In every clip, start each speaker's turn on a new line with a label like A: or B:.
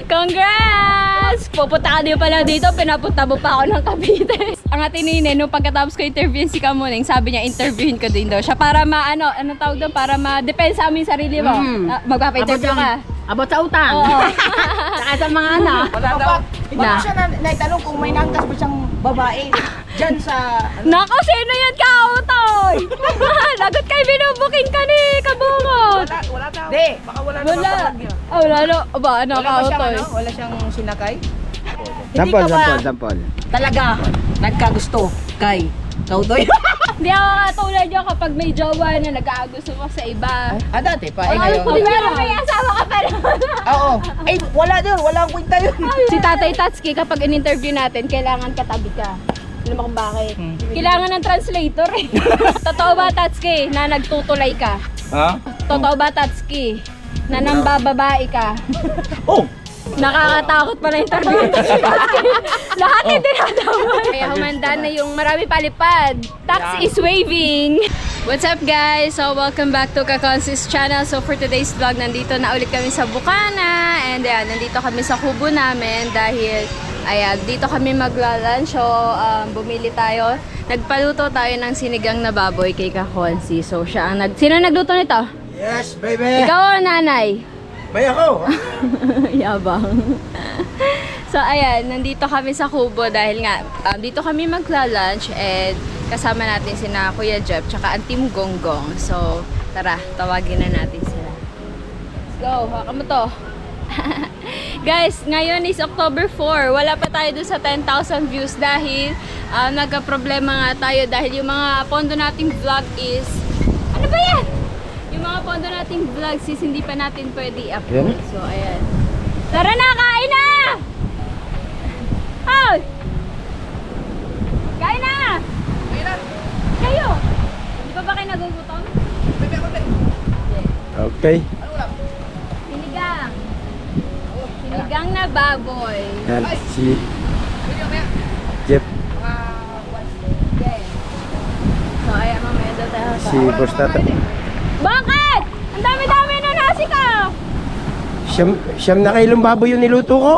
A: Congrats! Pupunta ka din pala dito, pinapunta mo pa ako ng Cavite. Ang atin nine, nung pagkatapos ko interviewin si Kamuning, sabi niya interviewin ko din daw siya para ano tawag doon, para ma-depensa amin sarili mo. Magpapa-interview ka.
B: Abot sa utang.
A: Oo.
B: Saka sa mga anak.
C: Wala daw.
A: Na.
C: Bakit siya naitanong kung may nangkas ba siyang babae dyan sa...
A: Nako, sino yan kautoy? Lagot kayo binubuking ka ni Kabungot.
C: Wala daw. Di. Baka wala naman
A: Wala.
C: kapag
A: Ah, wala no. Aba, ano
C: Wala ba siyang
A: kautoy?
C: wala siyang sinakay?
D: Sampol.
C: Talaga nagkagusto kay Kautoy.
A: Hindi ako katulad yun kapag may jowa na nag-aagusto mo sa iba.
C: Dati pa.
A: Ay, pero may asawa ka pa naman.
C: Oo. Ay, wala doon. Wala ang kwenta yun.
A: Si Tatay Tatsuki, kapag in-interview natin, kailangan katabi ka. Alam mo kung bakit? Kailangan ng translator eh. Totoo ba, Tatsuki, na nagtutulay ka?
D: Ha?
A: Totoo ba, Tatsuki, na nambababae ka?
D: Oh!
A: Nakakatakot pala yung interview. Lahat yung dinadamay. Kaya humanda na yung marami palipad. Tax is waving. What's up guys? So welcome back to Kakonsis channel. So for today's vlog, nandito na ulit kami sa Bukana. And ayan, nandito kami sa kubo namin dahil ayan, dito kami magla-lunch. So bumili tayo. Nagpaluto tayo ng sinigang na baboy kay Kakonsi. So siya ang Sino nagluto nito?
D: Yes, baby!
A: Ikaw o nanay?
D: Bay ako!
A: Yabang. So ayan, nandito kami sa kubo dahil nga dito kami magla-lunch and kasama natin sina Kuya Jeff tsaka ang Team Gonggong. So tara, tawagin na natin sila. Let's go, haka mo to. Guys, ngayon is October 4. Wala pa tayo dun sa 10,000 views dahil nagka-problema nga tayo dahil yung mga pondo nating vlog is ano ba yan? Yung mga pondo nating vlogs is hindi pa natin pwede i-upload. So, ayan. Tara na! Kain na! Hoy! Kain na! Kayo! Hindi pa ba kayo nagugutom?
D: Okay.
A: Sinigang. Sinigang na baboy.
D: Yan, si Jeff,
A: Yes. So, ayan, mamaya daw tayo.
D: si Boss Tata.
A: Bakit? Ang dami-dami na nasi ka!
D: Siyam na kilong baboy yung niluto ko.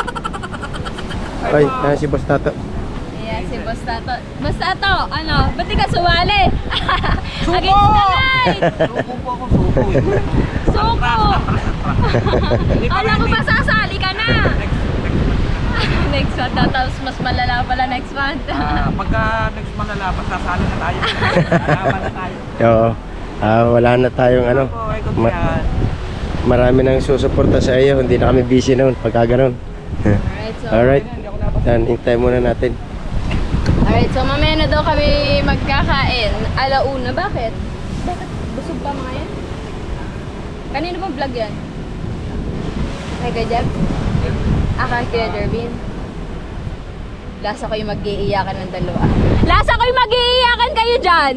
D: Ay, si Boss Tata.
A: Ayan, si Boss Tato. Boss Tato, ano? Ba't di ka sumali? Against the light!
C: Suko po ako, suko.
A: Suko! Alam ko ba sasali ka na? Next month daw, tapos mas malala pala next month.
C: Pagka next month na labas, sasali na tayo. Laban na tayo.
D: Oo. Wala na tayong ano. Marami nang susuporta sa iyo. Hindi na kami busy noon pagka ganun.
A: Alright, so,
D: Alright. Yan, hintay muna natin.
A: alright, so mamaya na daw kami magkakain. Alauna, bakit? Bakit? Busog pa mga yan? Kanino ba vlog yan? Kay Kuya Jeff? Kay Kuya Jervin? Lasa ko yung mag-iiyakan ng dalawa. Lasa ko yung mag-iiyakan kayo dyan!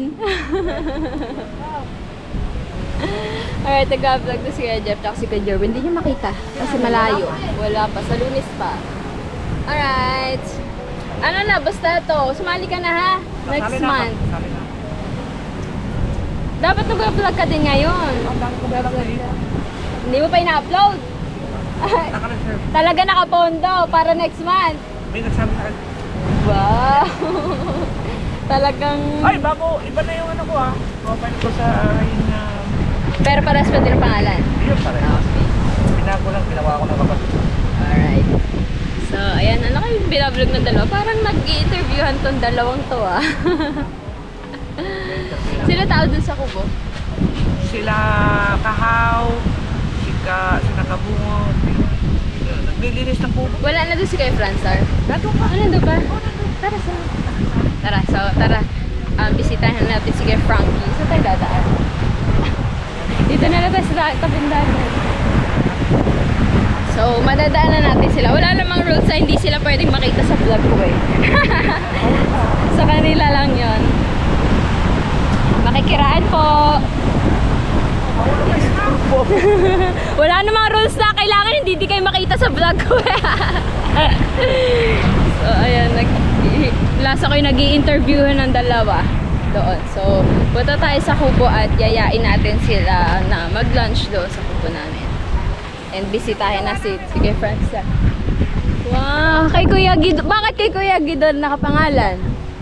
A: Alright, nag-vlog na si Kuya Jeff at si Kuya Jervin. Hindi nyo makita kasi malayo. Wala pa, sa Lunes pa. Alright. Ano na, basta to. Sumali ka na ha? Next month. Dapat nag-vlog ka din ngayon. Hindi mo pa ina-upload. Talaga nakapondo para next month.
C: May nagsabi sa akin.
A: Wow. Talagang...
C: Ay, bago, iba na yung ano ko ha. Profile ko sa yung...
A: Pero paras pa din ang pangalan.
C: Yun pa rin. Pinago lang, ginawa ko ng kapatid.
A: Alright. So, ayan. Ano kayo binablog ng dalawa? Parang nag-i-interviewhan tong dalawang to ah. Sino tao dun sa kubo?
C: Sila Kahaw, sila Kabungo, naglilinis ng kubo.
A: Wala na doon si Kuya Fransar.
C: Dato ka.
A: Ano doon ba? Tara sa... Tara, so tara. Bisitahin natin si Kuya Frankie. Saan tayo dadaan? Dito na tayo sa kabindahan. So, madadaanan natin sila. Wala namang rules na hindi sila pwedeng makita sa vlog ko eh. Sa kanila lang yon. Makikiraan po. Wala namang rules na kailangan hindi kayo makita sa vlog ko eh. So, ayan. Lasa ko yung nag-i-interview ng dalawa doon. So, punta tayo sa kubo at yayain natin sila na mag-lunch doon sa kubo namin. And bisitahin na sige friends. Wow, kay Kuya Gido. Bakit kay Kuya Gido nakapangalan?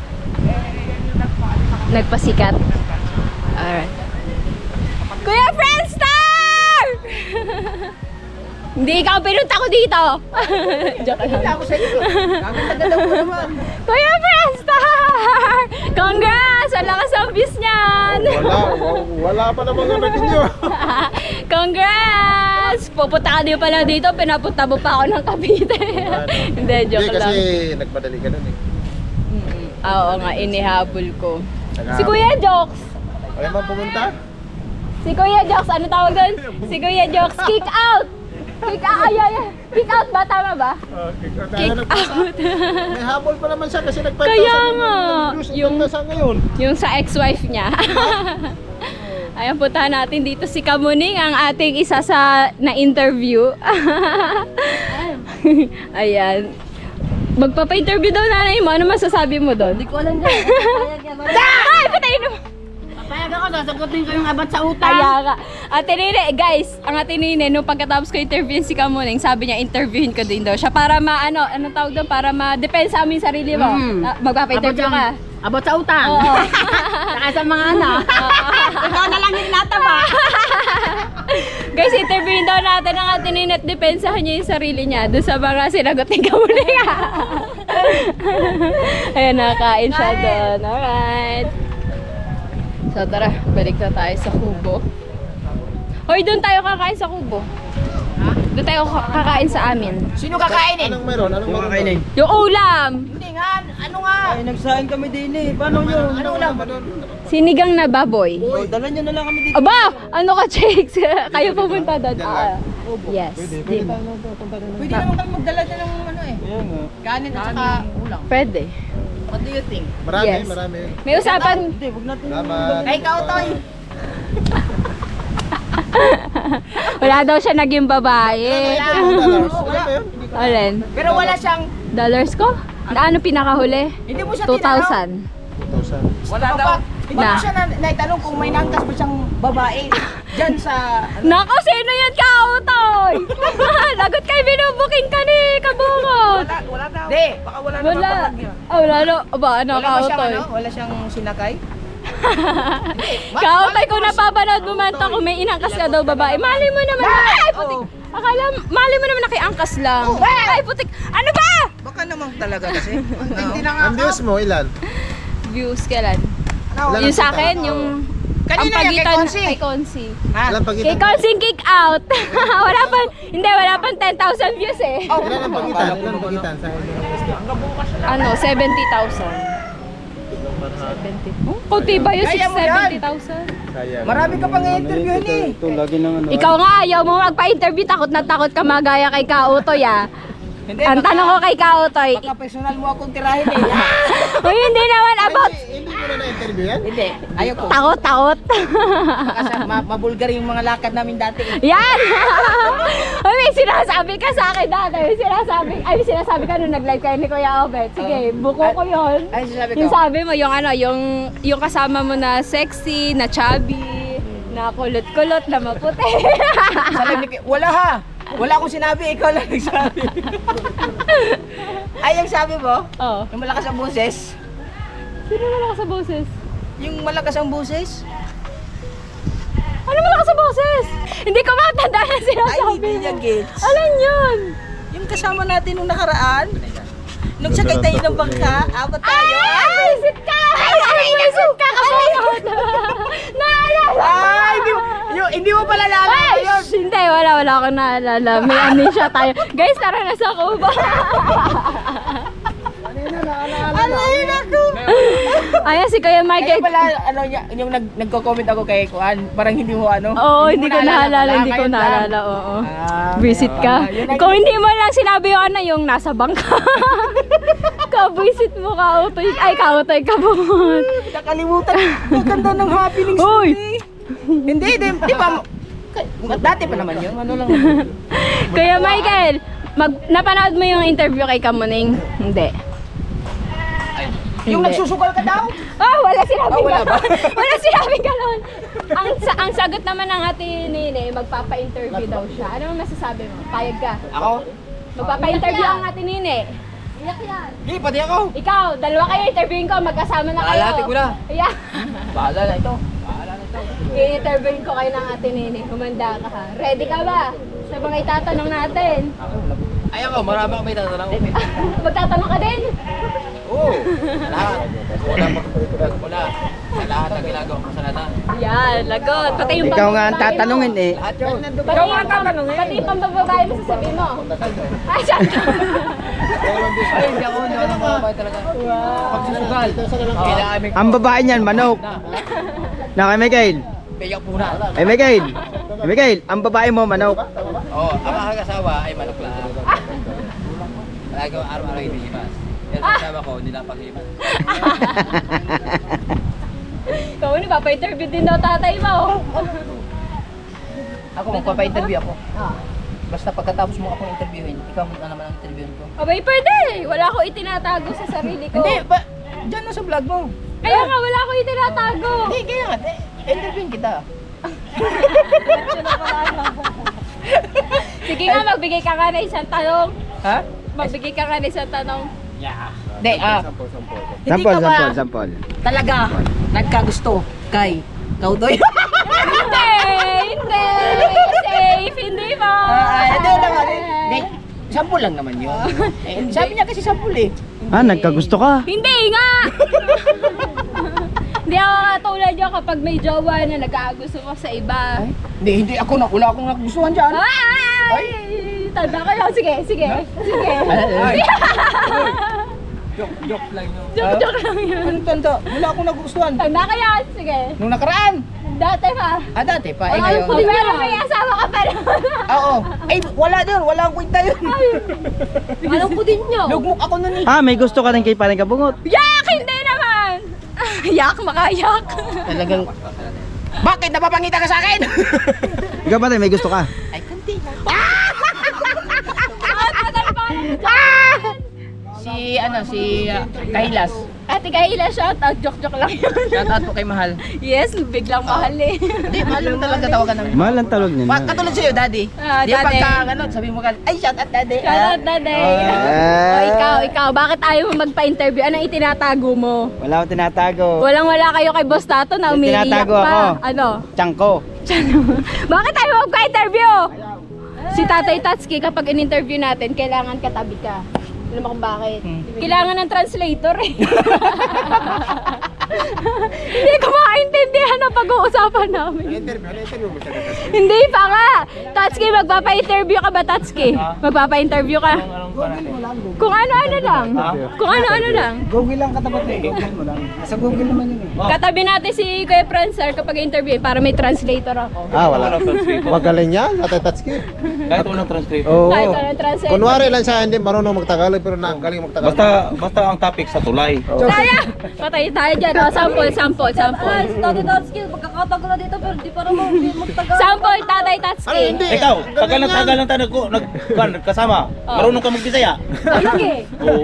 A: Nagpasikat. Alright. Kuya Friendstar! Hindi ikaw pinunta ko dito. Joke lang.
B: Ako sa iyo. Gaganda mo naman.
A: Kuya Friendstar! Congrats! Ang lakas ang views niyan!
D: Wala pa naman ano ninyo.
A: Congrats! Pupunta ka din pala dito, pinapunta mo pa ako ng Cavite. Hindi, joke lang.
D: nagmadali ka nun eh.
A: Oo nga, inihabol ko. Si Kuya Jokes!
D: Ayaw man pumunta?
A: Si Kuya Jokes, ano tawag doon? Si Kuya Jokes, kick out! Kick out, kick out ba? Tama ba? Kick out.
D: May habol pa naman siya kasi nag-5,000
A: Kaya nga,
D: yung ngayon.
A: Yung sa ex-wife niya. Ayan, puntahan natin dito si Kamuning, ang ating isa sa na-interview. Ayan. Magpapa-interview daw nanay mo. Ano masasabi mo doon?
B: Hindi ko alam dyan.
A: Ay, patayin mo!
B: Papayag ako, sasagutin ko yung abat sa utang.
A: Kaya nga. Ate Nene, guys, ang Ate Nene, nung pagkatapos ko interviewin si Kamuning, sabi niya, interviewin ko din daw siya para anong tawag doon? Para ma-depensa mo yung sarili mo. Magpapa-interview ka.
B: Abot sa utang.
A: Oo.
B: Saka sa mga ikaw na lang yung nataba.
A: Guys, interviewin daw natin ang Ate Nene at depensahan niya yung sarili niya doon sa mga sinagot ni Kamuning. Ayan, nakain siya doon. Alright. So tara, balik na tayo sa Kubo. Hoy, doon tayo kakain sa Kubo. Ha? Doon tayo kakain sa amin.
B: Sino kakainin?
D: Anong meron? Anong meron?
A: Yung ulam!
B: Hindi nga, ano nga?
E: Ay, nagsahin kami din eh. Paano yun?
B: Ano ulam?
A: Sinigang na baboy.
E: Oh, dala nyo na lang kami dito.
A: Aba! Ano ka, Chicks? Kayo pumunta doon. Yes.
E: Pwede tayo na punta na.
B: Pwede naman kami magdala dyan ng ano eh.
E: Kaya nga.
B: Kanin at saka ulam.
A: Pwede.
B: What do you think?
D: Marami,
A: Yes.
D: marami.
A: May usapan.
E: Hindi, huwag natin.
D: Salamat.
B: Ay, ikaw, Toy.
A: Wala daw siya naging babae. Alin?
B: Pero wala siyang,
A: Dollars ko? Ano pinakahuli?
B: hindi mo siya tinanong.
A: 2,000.
B: Wala daw. Hindi
A: Na.
B: mo siya naitanong kung may nangkas ba siyang babae dyan sa...
A: Nako, sino yan ka, Utoy? Lagot kay binubuking ka ni Kabungot.
C: Wala daw.
B: Hindi.
C: Baka wala na
A: Wala.
C: magpapag-
A: Wala no. Aba, ano
B: Wala
A: ka,
B: ba siyang
A: Utoy?
B: ano? Wala siyang sinakay?
A: Kautoy, kung napapanood mo man to, kung may inangkas ka daw babae, mali mo naman. Ay, putik. Akala, mali mo naman nakiangkas lang. Ay, putik. Ano ba?
B: Baka naman talaga kasi.
C: Hindi na nga.
D: Ang views mo, ilan?
A: Views, kailan?
D: Ilan
A: Yung
D: ang
A: sa
D: kita?
A: akin, yung...
B: Kanina yan, kay Consi.
A: Kay Consi.
B: Ha?
D: Ilan
A: Kay
D: pagitan?
A: Consi kick out. wala pang 10,000 views eh.
D: Ilan ang pagitan? Ilan ang pagitan? Sa
A: Ano, 70,000. 70. Oh, kunti ba yun?
B: Kaya mo yan.
A: 70,000?
D: Sayang.
B: Marami ka pang i-interviewin eh.
E: Ito, lagi nang ano.
A: Ikaw nga, ayaw mo magpa-interview. Takot na takot ka magaya kay Kautoy ah.
B: Hindi,
A: Ang tanong ko kay Kautoy,
B: baka personal mo akong tirahin eh.
A: Uy, hindi naman about...
D: Hindi mo na na-interview yan?
B: Hindi, ayaw ko.
A: Takot.
B: Kasi mabulgar yung mga lakad namin dati eh.
A: Yan! Uy, may sinasabi ka sa akin dati. May sinasabi ka nung nag-live kayo ni Kuya Obet. Sige, buko ko yun.
B: Ay, sasabi ko.
A: Yung sabi mo, yung ano, yung kasama mo na sexy, na chubby, na kulot-kulot, na maputi.
B: Sabi ni wala ha. Wala akong sinabi, ikaw lang nagsabi. Ay, yung sabi mo,
A: Oh.
B: yung malakas ang boses.
A: Sino malakas sa boses?
B: Yung malakas ang boses?
A: Ano malakas sa boses? Hindi ko matanda na
B: Ay,
A: sinasabi
B: hindi niya
A: mo.
B: gets.
A: Alin yun?
B: Yung kasama natin nung nakaraan, nung sakay tayo ng bangka, apat tayo.
A: Ay, visit ka! Ay, visit ka! Kabungot! Naalala!
B: Ay, hindi mo pala naalala
A: Ay,
B: yun.
A: hindi, wala akong naalala. May amnesia tayo. Guys, tara na sa Cuba.
B: Alayin ako.
A: Ayan si Kuya
B: Kaya
A: Michael.
B: pala, ano, yung nagko-comment ako kay Kuan, parang hindi mo ano.
A: Oo, hindi ko naalala,
B: pala,
A: hindi ko
B: ngayon lang.
A: naalala, oo. Visit
B: kaya
A: ka.
B: pala. Yun ang-
A: Kung hindi mo lang sinabi yung ano, yung nasa bangka. Ka-visit mo, Kautoy. Ay, Kautoy, kabungot.
B: Nakalimutan. Ang ganda ng happenings.
A: Uy!
B: Hindi, di ba? Dati pa naman yun. Ano lang.
A: Kuya Michael, napanood mo yung interview kay Kamuning? Hindi.
B: Yung nagsusugal ka daw?
A: Oh, wala sinabing
B: wala ba?
A: ganon. Wala sinabing ganon. Ang sagot naman ng ate Nene, magpapa-interview daw siya. Ano ang masasabi mo? Payag ka?
B: Ako?
A: Magpapa-interview ang ate Nene.
B: Hindi, pati ako.
A: Ikaw, dalawa kayo interviewin ko, magkasama na kayo.
B: Alati ko na.
A: Yeah.
B: Bahala na ito.
A: I-interviewin ko kayo ng ate Nene. Humanda ka ha. Ready ka ba? Sa mga itatanong natin.
B: Ay ako, marami ako may tatanong.
A: Magtatanong ka din?
B: Oo, lahat. Wala. Sa lahat ng ginagawa ko sa lahat.
A: Yan, lagot. Pati yung
E: Ikaw nga ang
A: pambababae mo.
E: tatanungin eh.
B: Lahat yun.
A: Pati yung pambababae mo sasabihin mo. Ay, syempre.
B: Ay, hindi ako nakakabay talaga. Pagsusugal. Kailangan may...
E: Ang babae niyan, manok. Na kay Miguel.
B: Piyak po na.
E: Ay Miguel. Ay Miguel, ang babae mo, manok.
B: Oo, ang mga kasawa ay manok lang. Palagi ko araw-araw iniimas. Yan sa kasama ko, hindi lang pag-iimas.
A: Ikaw, papa-interview din daw tatay mo.
B: Ako, magpapa-interview ako. Basta pagkatapos mo akong interviewin, ikaw na naman ang interviewin ko.
A: Abay, pwede. Wala ko itinatago sa sarili ko.
B: Hindi, ba? Diyan na sa vlog mo.
A: Kaya nga, wala ko itinatago.
B: Hindi, kaya nga. Interviewin kita.
A: Sige nga, magbigay ka nga ng isang tanong.
B: Ha?
A: Magbigay ka nga ng isang tanong.
B: Hindi, Hindi ka ba
E: Sampol.
B: talaga nagkagusto kay Kaudoy?
A: Hindi! Hindi! Safe! Hindi mo!
B: Hindi lang. Hindi, sample lang naman yun. Eh, sabi niya kasi sample eh.
E: Ah, nagkagusto ka.
A: Hindi nga! Hindi ako katulad yun kapag may jowa na nag-aagusto ko sa iba.
B: Hindi ako na. Wala akong nagustuhan dyan.
A: Ay! Tanda kayo. Sige, sige. Sige.
B: Joke lang yun.
A: Joke lang yun.
B: Ano tanda? Wala akong nagustuhan.
A: Tanda kayo. Sige.
B: Nung nakaraan.
A: Dati pa.
B: Dati pa. Eh,
A: Alam
B: ngayon.
A: ko, pero may asawa ka pa naman.
B: Oo. Ay, wala doon. Wala akong kwenta yun.
A: Alam ko din nyo.
B: Lugmok ako nun eh.
E: Ah, may gusto ka rin kay Paring Kabungot.
A: Yak! Hindi naman! Yak, makayak.
B: Talagang... Bakit? Napapangita ka sa akin?
E: Ikaw ba rin, may gusto ka?
B: Ay, kanti. Si, Kailas.
A: Ate Kayla, shout out. Joke lang yun.
B: Shout out po kay Mahal.
A: Yes, biglang mahal eh.
B: Hindi, mahal mo talaga tawagan namin.
E: Mahal ang tawag niya.
B: Katulad sa'yo, daddy.
A: Ah,
B: Di
A: daddy.
B: pagka, sabi mo ka, ay, shout out, daddy.
A: Shout out, Daday. Ikaw, bakit ayaw mo magpa-interview? Anong itinatago mo?
E: Wala akong tinatago.
A: Walang-wala kayo kay Boss Tato na umiiyak
E: Tinatago
A: pa.
E: ako.
A: Ano?
E: Tiyangko.
A: Bakit ayaw mo magpa-interview? Si Tatay Tatsuki, kapag in-interview natin, kailangan katabi ka. Alam mo kung bakit? Kailangan ng translator eh. Hindi ko maintindihan ang pag-uusapan namin. Hindi pa nga. Tatsuki, magpapa-interview ka ba, Tatsuki? Magpapa-interview ka? Kung ano-ano lang. Kung ano-ano lang.
E: Google lang katapat eh. Google mo lang. Sa Google naman yun eh.
A: Katabi natin si Kuya Prancer kapag interview para may translator ako.
F: Ah, wala. Magaling yan, Tatay Tatsuki.
C: Kahit walang translate.
F: Oo.
A: Kahit anong translator.
F: Kunwari lang siya, hindi marunong magtagalog, pero galing magtagalog.
C: Basta ang topic sa tulay.
A: Saya! Patay tayo dyan. O, sample. Tatay Tatsuki, magkakatagal na dito pero di pa naman magtagal. Sample, Tatay Tatsuki.
C: Ikaw, tagal ng tanong ko, nagkasama. Marunong ka magbisaya.
A: Sige.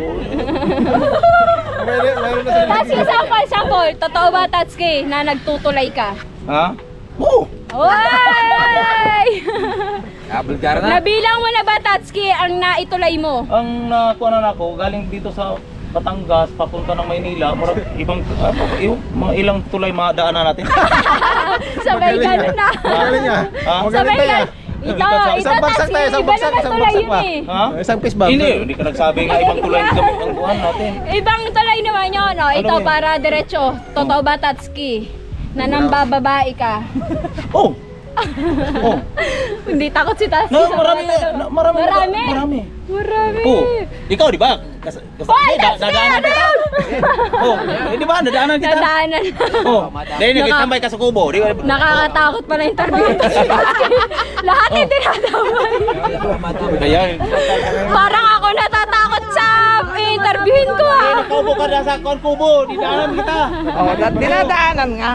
F: Mayroon na sila.
A: Tatsuki, sample. Totoo ba, Tatsuki, na nagtutulay ka?
C: Ha? Oo.
A: Oy!
C: Bulgara na.
A: Nabilang mo na ba, Tatsuki, ang naitulay mo?
C: Ang nakuha na ako, galing dito sa Batangas, papunta ng Maynila, mga ilang tulay madaanan natin.
A: Sabay ganun na.
F: Magaling niya.
C: Ha?
A: Sabay
F: Magaling tayo.
A: ganun. Ito,
F: Isang bagsak tayo, isang
A: iba
F: bagsak,
A: naman
F: isang
A: tulay
F: bagsak
A: yun
F: pa.
A: eh.
C: Ha?
F: Isang piece ba?
C: Hindi ka nagsabi nga ibang tulay kami ang buwan natin.
A: Ibang tulay naman yun, no? Ito,
C: yun?
A: para diretso. Totoo ba, Tatsuki? Na nambababae ka?
C: Oh! Oh!
A: Hindi takot si Tatsuki.
C: No,
A: sa
C: marami
A: mga tanong.
C: marami.
A: Marami? Marami.
C: Oh, ikaw di ba?
A: Hoy, Tatsuki! Ano yun?
C: Oh, di ba? Nadaanan kita.
A: Nadaanan.
C: Oh, dahil nag-standby ka sa kubo. Di ba?
A: Nakakatakot pala yung interview ito si Tatsuki. Lahat hindi nadamay.
C: Kaya,
A: Parang ako natatakot sa interviewin ko ah.
C: nakaupo ka na sa kubo. Dinaanan kita.
B: Oh, dinadaanan nga.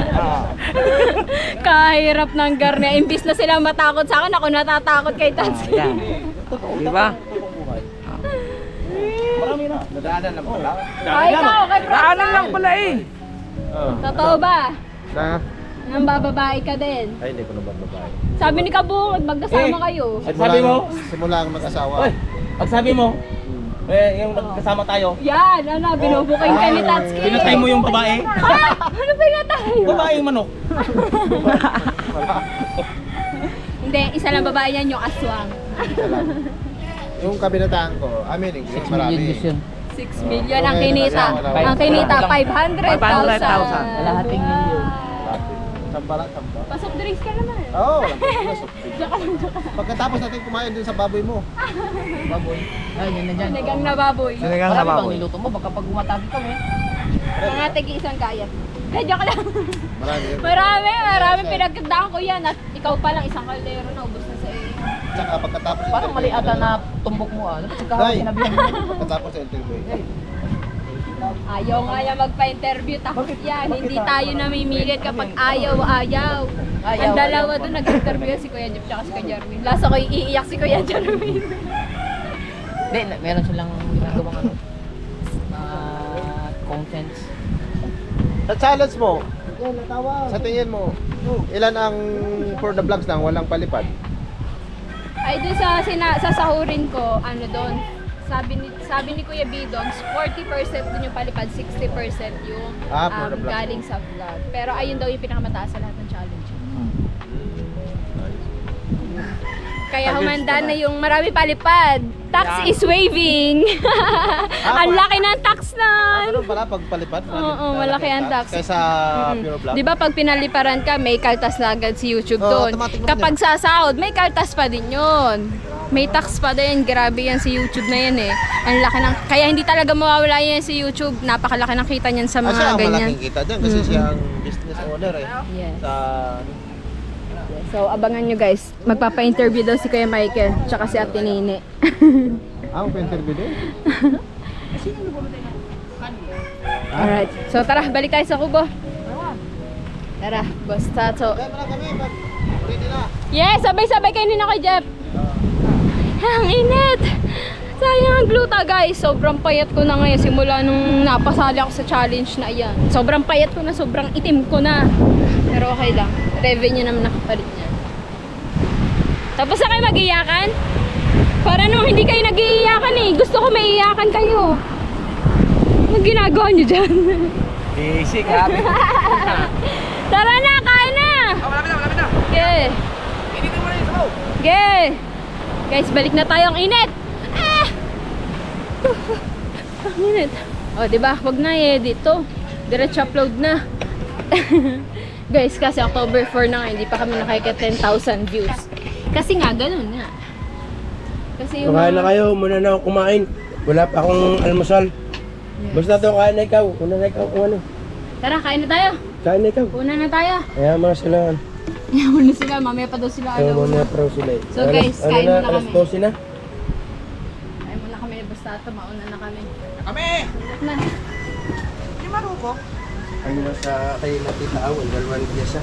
A: Kahirap ng garne. Imbis na sila matakot sa akin, ako natatakot kay Tatsuki.
B: Di ba?
C: Marami na.
B: Nadaanan lang pala.
A: Ay, ikaw, kay Daanan lang pala eh. Totoo ba?
F: Na?
A: Nang bababae ka din.
F: Ay, hindi ko na babae.
A: Sabi ni Kabungod, magkasama kayo.
C: At sabi mo,
F: Simula ang mag-asawa.
C: oy, pag sabi mo, yung kasama tayo,
A: Yan, binubuking ka ni Tatsuki.
C: pinatay mo yung babae,
A: Ha? Ano pinatay?
C: babae yung manok.
A: Hindi, isa lang babae yan, yung aswang.
F: Yung kabinataan ko, English, marami.
A: 6 million ang kinita. Ang kinita, 500,000.
E: Kalahating milyon.
F: Sampala, sampala.
A: Pasok drinks ka naman.
F: Oo, wala pa. Pagkatapos natin kumain dun sa baboy mo. Baboy.
A: Sinigang na baboy.
E: Sinigang na baboy.
B: niluto mo, baka pag umatabi kami.
A: Mga tigi isang kayat. Joke lang.
F: Marami yun.
A: Marami pinagkandaan ko yan. At ikaw pa lang, isang kaldero na ubos na sa iyo.
F: Tsaka pagkatapos
B: Parang mali ata na tumbok mo ah. Dapat kahapon sinabihan mo.
F: Pagkatapos sa interview.
A: Ayaw nga yan magpa-interview. Takot yan. Hindi tayo namimilit kapag ayaw. Ang dalawa doon nag-interview si Kuya Jeff tsaka si Kuya Jeremy. Last ako iiyak si Kuya Jeremy.
B: Hindi, meron silang ginagawang ano. Contents.
F: Sa challenge mo, sa tingin mo, ilan ang for the vlogs lang, walang palipad?
A: Ay doon sa sahurin ko, ano doon, sabi ni Kuya Bidons, 40% doon yung palipad, 60% yung
F: For the vlog.
A: galing sa vlog. Pero ayun daw yung pinakamataas sa lahat ng challenge. Kaya humanda na yung marami palipad. Tax is waving. Ang laki ng tax na.
F: Ganun pala pag palipad?
A: Oo, malaki ang tax.
F: Kaysa pure vlog?
A: Di ba pag pinaliparan ka, may kaltas na agad si YouTube doon.
F: automatic mo
A: Kapag sasahod, may kaltas pa din yun. May tax pa din. Grabe yan si YouTube na yan eh. Ang laki ng... Kaya hindi talaga mawawala yan si YouTube. Napakalaki ng kita niyan sa
F: siya
A: mga
F: ang
A: ganyan.
F: malaking kita dyan kasi siya ang business owner eh.
A: Yes.
F: Sa...
A: So, abangan nyo guys. Magpapa-interview daw si Kuya Michael. Tsaka si Ate Nene.
F: Ang pa-interview din?
A: Alright. So, tara. Balik tayo sa kubo. Tara. Basta to.
F: Kaya pala kami, ready na.
A: Yes! Sabay-sabay kayo nila kay Jeff. Ang init! Sayang ang gluta guys. Sobrang payat ko na ngayon simula nung napasali ako sa challenge na iyan. Sobrang payat ko na, sobrang itim ko na. Pero okay lang. Revenue naman nakapalit niya. Tapos na kayo mag-iyakan? Para naman hindi kayo nag-iiyakan eh. Gusto ko maiiyakan kayo. Anong ginagawa niyo dyan?
E: Easy, grabe.
A: Tara na! Kain na!
B: Malapit na.
A: Okay.
B: Initin mo na yung sabaw.
A: Okay. Guys, balik na tayo. Ang init! Ah! Ang init. O, diba? Huwag na i-edit to. Diretso upload na. Guys, kasi October 4 na nga, hindi pa kami nakikita 10,000 views. Kasi nga, ganun nga. Kasi yung
D: Kumain na kayo, muna na ako kumain. Wala pa akong almusal. Basta to, kain na ikaw. Una na ikaw kung ano.
A: Tara, kain na tayo.
D: Kain na ikaw.
A: Una na tayo.
D: Kaya mga sila.
A: Yaman na sila. Mamaya pa daw sila.
D: Kaya muna pro sila eh.
A: So, guys, kain muna
D: Alas
A: kami.
D: 12 na.
A: Kain muna kami. Basta ito, mauna na kami.
B: Kami!
A: Na.
B: Hindi maruko.
D: Ano na sa kayo na tita Awal, dalawang piyasa.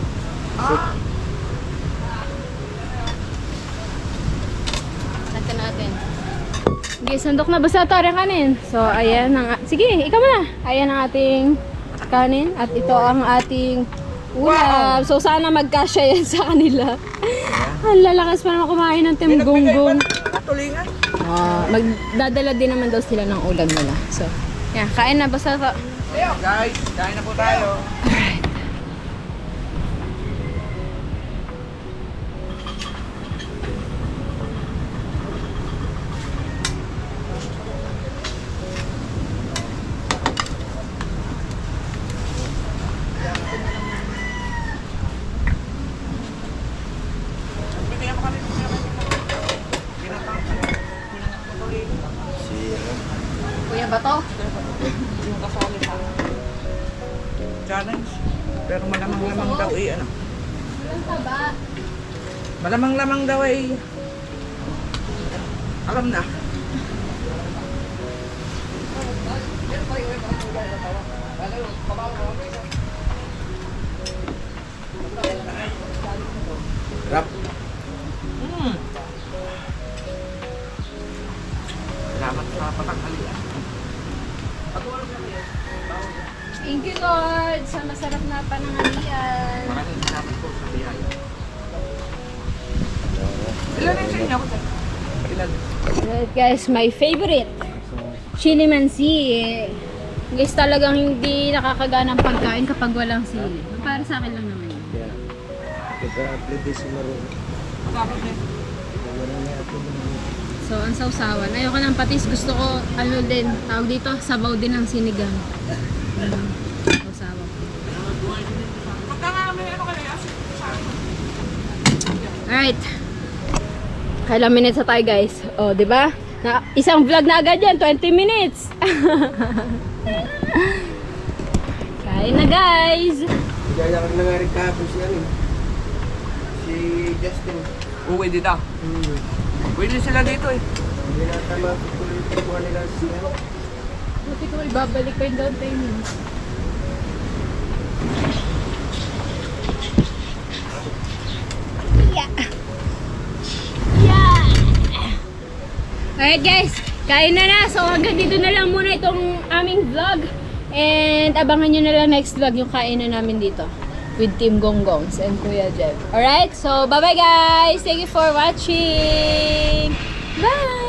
A: Natin natin. Sige, sandok na basta ito rin kanin. So, ayan ang... Sige, ikaw muna. Ayan ang ating kanin. At ito ang ating ulam. So, sana magkasya yan sa kanila. Ang lalakas pa naman kumain ng timgonggong.
B: Tulingan.
A: Magdadala din naman daw sila ng ulam nila. So, yan. Kain na basta ito.
B: Guys, kain na po tayo.
A: Kuya Bato?
G: Challenge. Pero malamang-lamang daw eh, ano?
A: Walang taba.
G: Malamang-lamang daw eh. Alam na.
D: Rap.
G: Salamat sa patanghalian.
A: Thank you, Lord, sa masarap na pananghalian.
G: Maraming salamat po sa biyaya. Ilan yung sa inyo? Ilan?
A: Alright guys, my favorite. Chili mansi. Guys, talagang hindi nakakagana ang pagkain kapag walang sili. Para sa akin lang naman yun.
D: Yeah. Kaya-upload din si Maroon.
A: So, ang sausawan. Ayoko ng patis. Gusto ko, ano din, tawag dito, sabaw din ng sinigang. Sausawan. Alright. Kailang minutes na tayo guys. O, di ba? Na, isang vlog na agad yan, 20 minutes. Kain na guys.
D: Kaya kang nangaring kahapon siya rin. Si Justin.
G: Uwi dito. Pwede sila dito eh.
D: Hindi na tama tuloy yung pagkuha nila siya.
A: Buti ko ibabalik ko yung down payment. Alright guys, kain na na. So hanggang dito na lang muna itong aming vlog. And abangan nyo na lang next vlog yung kainan namin dito. With Team Gonggongs and Kuya Jeff. Alright, so bye bye guys. Thank you for watching. Bye!